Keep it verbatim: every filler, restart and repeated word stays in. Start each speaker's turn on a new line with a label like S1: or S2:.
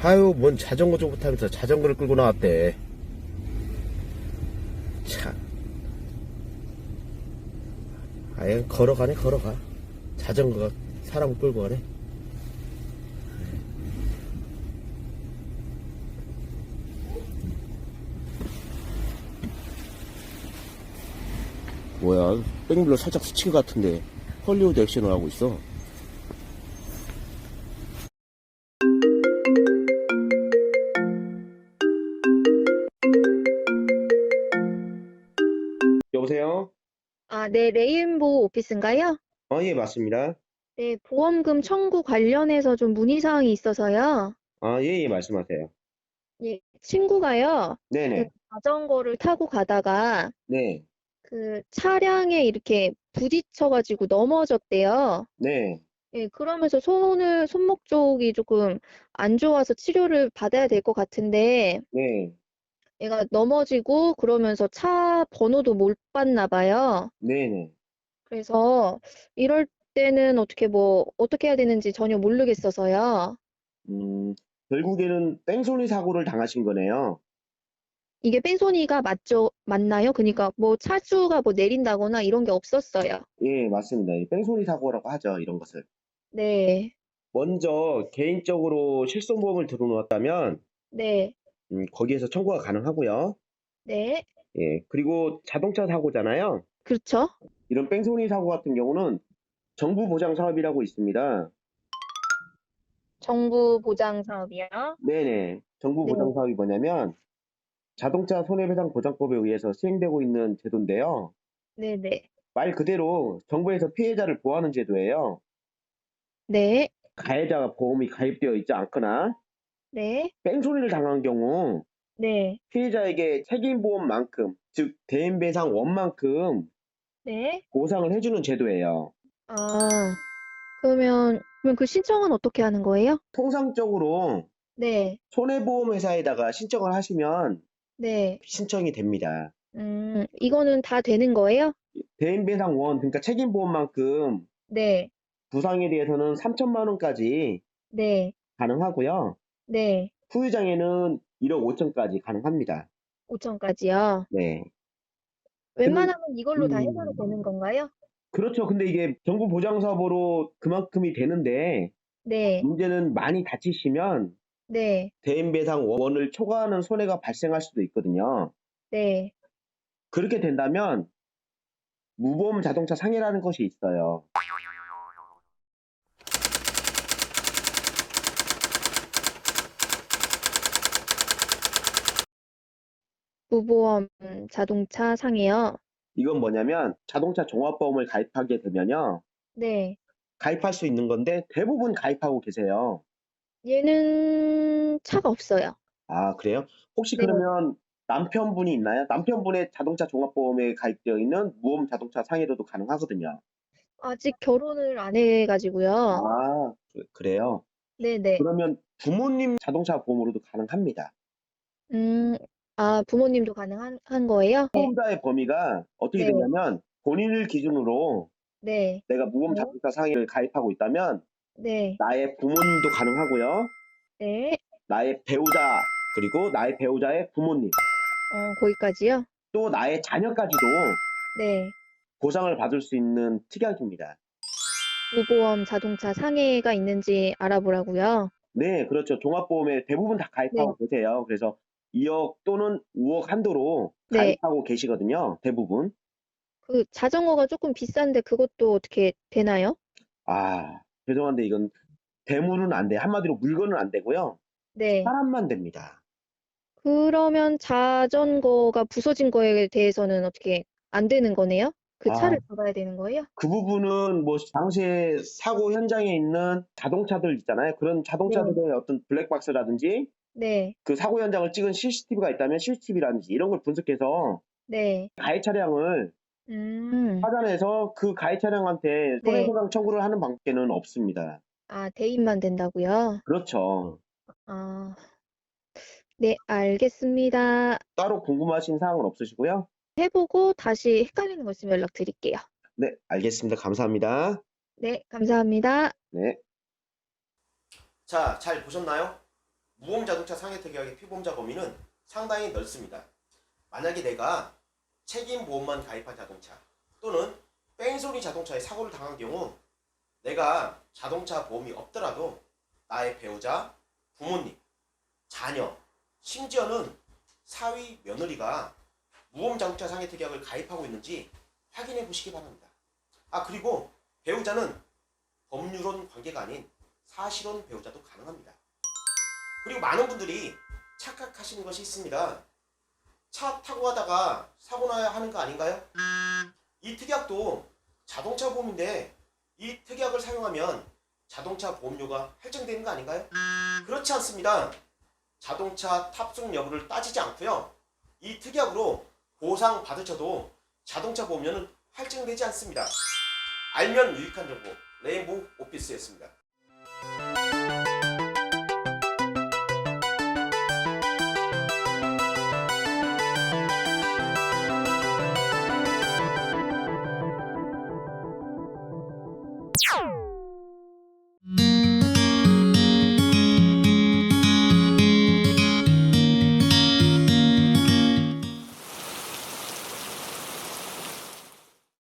S1: 아유, 뭔 자전거 좀 못하면서 자전거를 끌고 나왔대. 참. 아예 걸어가네, 걸어가. 자전거가 사람을 끌고 가네. 뭐야, 백밀러 살짝 스친 것 같은데 헐리우드 액션을 하고 있어. 여보세요?
S2: 아, 네, 레인보우 오피스인가요?
S1: 어, 예, 맞습니다.
S2: 네, 보험금 청구 관련해서 좀 문의사항이 있어서요.
S1: 아, 예, 예, 말씀하세요.
S2: 예, 친구가요, 그
S1: 네네.
S2: 자전거를 타고 가다가
S1: 네.
S2: 그 차량에 이렇게 부딪혀가지고 넘어졌대요.
S1: 네.
S2: 예, 그러면서 손을, 손목 쪽이 조금 안 좋아서 치료를 받아야 될 것 같은데,
S1: 네.
S2: 얘가 넘어지고 그러면서 차 번호도 못 봤나 봐요.
S1: 네네.
S2: 그래서 이럴 때는 어떻게 뭐, 어떻게 해야 되는지 전혀 모르겠어서요.
S1: 음, 결국에는 뺑소니 사고를 당하신 거네요.
S2: 이게 뺑소니가 맞죠? 맞나요? 그니까 뭐 차주가 뭐 내린다거나 이런 게 없었어요.
S1: 예, 맞습니다. 이 뺑소니 사고라고 하죠, 이런 것을.
S2: 네.
S1: 먼저 개인적으로 실손보험을 들어놓았다면
S2: 네.
S1: 음, 거기에서 청구가 가능하고요.
S2: 네.
S1: 예, 그리고 자동차 사고잖아요.
S2: 그렇죠?
S1: 이런 뺑소니 사고 같은 경우는 정부 보장 사업이라고 있습니다.
S2: 정부 보장 사업이요?
S1: 네네. 정부
S2: 네.
S1: 보장 사업이 뭐냐면 자동차 손해배상 보장법에 의해서 시행되고 있는 제도인데요.
S2: 네네.
S1: 말 그대로 정부에서 피해자를 보호하는 제도예요.
S2: 네.
S1: 가해자가 보험이 가입되어 있지 않거나
S2: 네.
S1: 뺑소니를 당한 경우
S2: 네.
S1: 피해자에게 책임보험만큼, 즉 대인배상원만큼
S2: 네.
S1: 보상을 해주는 제도예요.
S2: 아, 그러면, 그럼 그 신청은 어떻게 하는 거예요?
S1: 통상적으로
S2: 네.
S1: 손해보험회사에다가 신청을 하시면
S2: 네.
S1: 신청이 됩니다.
S2: 음, 이거는 다 되는 거예요?
S1: 대인배상원, 그러니까 책임보험만큼
S2: 네.
S1: 부상에 대해서는 삼천만 원까지
S2: 네.
S1: 가능하고요.
S2: 네.
S1: 후유장애는 일억 오천까지 가능합니다.
S2: 오천까지요.
S1: 네. 근데
S2: 웬만하면 이걸로 다 해결이 되는
S1: 음,
S2: 건가요?
S1: 그렇죠. 근데 이게 정부 보장 사업으로 그만큼이 되는데
S2: 네.
S1: 문제는 많이 다치시면
S2: 네.
S1: 대인배상원을 초과하는 손해가 발생할 수도 있거든요.
S2: 네.
S1: 그렇게 된다면 무보험 자동차 상해라는 것이 있어요.
S2: 무보험 자동차 상해요.
S1: 이건 뭐냐면 자동차 종합보험을 가입하게 되면요.
S2: 네.
S1: 가입할 수 있는 건데 대부분 가입하고 계세요.
S2: 얘는 차가 없어요.
S1: 아, 그래요? 혹시
S2: 네.
S1: 그러면 남편분이 있나요? 남편분의 자동차 종합보험에 가입되어 있는 무보험 자동차 상해로도 가능하거든요.
S2: 아직 결혼을 안 해 가지고요.
S1: 아, 그- 그래요?
S2: 네네.
S1: 그러면 부모님 자동차 보험으로도 가능합니다.
S2: 음. 아, 부모님도 가능한 한 거예요? 네.
S1: 보험자의 범위가 어떻게
S2: 네.
S1: 되냐면 본인을 기준으로
S2: 네.
S1: 내가 무보험 자동차 상해를 가입하고 있다면
S2: 네.
S1: 나의 부모님도 가능하고요.
S2: 네.
S1: 나의 배우자, 그리고 나의 배우자의 부모님,
S2: 어, 거기까지요?
S1: 또 나의 자녀까지도
S2: 네.
S1: 보상을 받을 수 있는 특약입니다.
S2: 무보험 자동차 상해가 있는지 알아보라고요?
S1: 네, 그렇죠. 종합보험에 대부분 다
S2: 네.
S1: 가입하고 계세요. 그래서 이억 또는 우억 한도로
S2: 네.
S1: 가입하고 계시거든요. 대부분.
S2: 그 자전거가 조금 비싼데 그것도 어떻게 되나요?
S1: 아, 죄송한데 이건 대물은 안 돼. 한마디로 물건은 안 되고요.
S2: 네.
S1: 사람만 됩니다.
S2: 그러면 자전거가 부서진 거에 대해서는 어떻게 안 되는 거네요? 그
S1: 아,
S2: 차를 잡아야 되는 거예요?
S1: 그 부분은 뭐 당시에 사고 현장에 있는 자동차들 있잖아요. 그런
S2: 네.
S1: 자동차들의 어떤 블랙박스라든지
S2: 네.
S1: 그 사고 현장을 찍은 씨씨티비가 있다면 씨씨티비라든지 이런 걸 분석해서
S2: 네.
S1: 가해 차량을
S2: 음.
S1: 찾아내서 그 가해 차량한테
S2: 네.
S1: 손해배상 청구를 하는 방법에는 없습니다.
S2: 아, 대입만 된다고요?
S1: 그렇죠.
S2: 아. 네, 알겠습니다.
S1: 따로 궁금하신 사항은 없으시고요.
S2: 해 보고 다시 헷갈리는 거 있으면 연락드릴게요.
S1: 네, 알겠습니다. 감사합니다.
S2: 네, 감사합니다.
S1: 네. 자, 잘 보셨나요?
S3: 무보험 자동차 상해특약의 피보험자 범위는 상당히 넓습니다. 만약에 내가 책임보험만 가입한 자동차 또는 뺑소니 자동차에 사고를 당한 경우 내가 자동차 보험이 없더라도 나의 배우자, 부모님, 자녀, 심지어는 사위, 며느리가 무보험 자동차 상해특약을 가입하고 있는지 확인해 보시기 바랍니다. 아 그리고 배우자는 법률혼 관계가 아닌 사실혼 배우자도 가능합니다. 그리고 많은 분들이 착각하시는 것이 있습니다. 차 타고 가다가 사고 나야 하는 거 아닌가요? 이 특약도 자동차 보험인데 이 특약을 사용하면 자동차 보험료가 할증되는 거 아닌가요? 그렇지 않습니다. 자동차 탑승 여부를 따지지 않고요. 이 특약으로 보상 받으셔도 자동차 보험료는 할증되지 않습니다. 알면 유익한 정보 레인보우 오피스였습니다.